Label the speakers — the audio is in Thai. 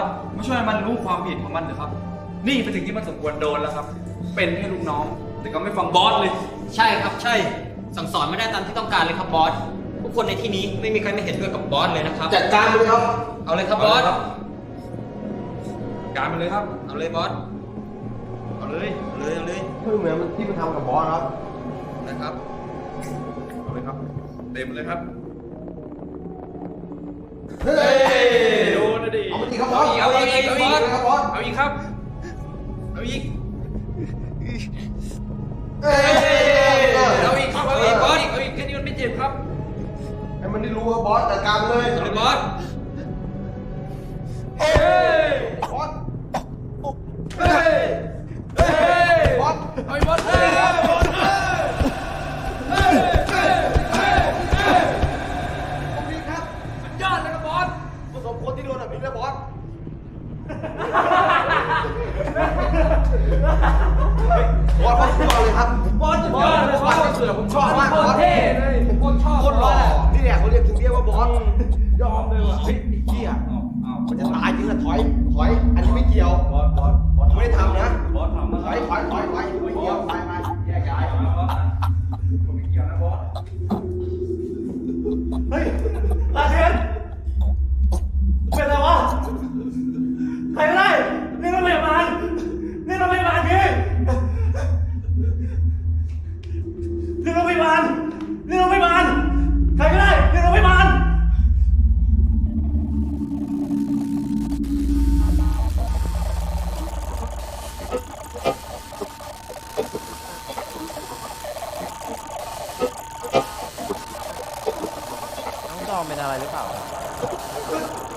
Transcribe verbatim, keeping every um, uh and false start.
Speaker 1: สมาช่วยมันรู้ความผิดของมันเถอะครับนี่เป็นสิ่งที่มันสมควรโดนแล้วครับเป็นแค่ลูกน้องแต่ก็ไม่ฟังบอสเลย
Speaker 2: ใช่ครับใช่สั่งสอนไม่ได้ตามที่ต้องการเลยครับบอสทุกคนในที่นี้ไม่มีใครไม่เห็นด้วยกับบอสเลยนะครับ
Speaker 3: จัดการเลยครับ
Speaker 2: เอาเลยครับบอส
Speaker 1: การมันเลยครับ
Speaker 2: เอาเลยบอสเอาเลยเอาเลยเอาเลย
Speaker 3: เพื่อเหมือนที่มันทำกับบอสครับ
Speaker 2: นะครับ
Speaker 1: เอาเลยครับเต็มเลยครับ
Speaker 3: เฮ้ย
Speaker 1: โดนนะดิ
Speaker 3: เอาอีกครับบอส
Speaker 1: เอาอีกเอาอีก
Speaker 3: ครับบอส
Speaker 1: เอาอีกครับเอาอีก
Speaker 3: เฮ้ย
Speaker 1: เอาอีกครับเอาอีกบอสอีกเอาอีกแค่นี้มันไม่เจ็บครับ
Speaker 3: ให้มันได้รู้ว่าบอสจัดการเลย
Speaker 2: เอาเลยบอส
Speaker 3: เฮ้ยบอสเฮ้ยเฮ้ยบอส
Speaker 1: เอาอีกบอสเฮ้ยบอสเฮ้ยเฮ้ยเฮ้ยเฮ้ยเฮ้ยผมมีครับสุดยอดเลยครับบอส
Speaker 3: ผสมคนที่โดนแบบนี้แล้วบอสบอสเขาสุดยอดเลยครับ
Speaker 1: บอสสุดยอดเลยบอสเสือผมชอบมากบอส
Speaker 3: เท่เลย
Speaker 1: ผมโคตรชอบ
Speaker 3: โคตรหล่อนี่แหละเขาเรียกถึงเรียกว่าบอส
Speaker 1: ยอมเลยว่ะ
Speaker 3: เฮ้ยไอ้เหี้ยมันจะตายจริงอะถอยถอยอันนี้ไม่เกี่ยว
Speaker 1: บอสบอสบอส
Speaker 3: ไม่ได้ทำนะ
Speaker 1: บอสทำนะ
Speaker 3: ถอยถอยถอยถอยไม่เกี่ยวไปไปแยกย้าย
Speaker 1: ผมไม่เกี่ยวนะบอส
Speaker 4: เฮ้ยลาเทนเป็นอะไรวะใครก็ได้นี่โรงพยาบาลนี่โรงพยาบาลพี่นี่โรงพยาบาลนี่โรงพยาบาลใครก็ได้นี่โรงพยาบาล
Speaker 5: น้องจอมเป็นอะไรหรือเปล่า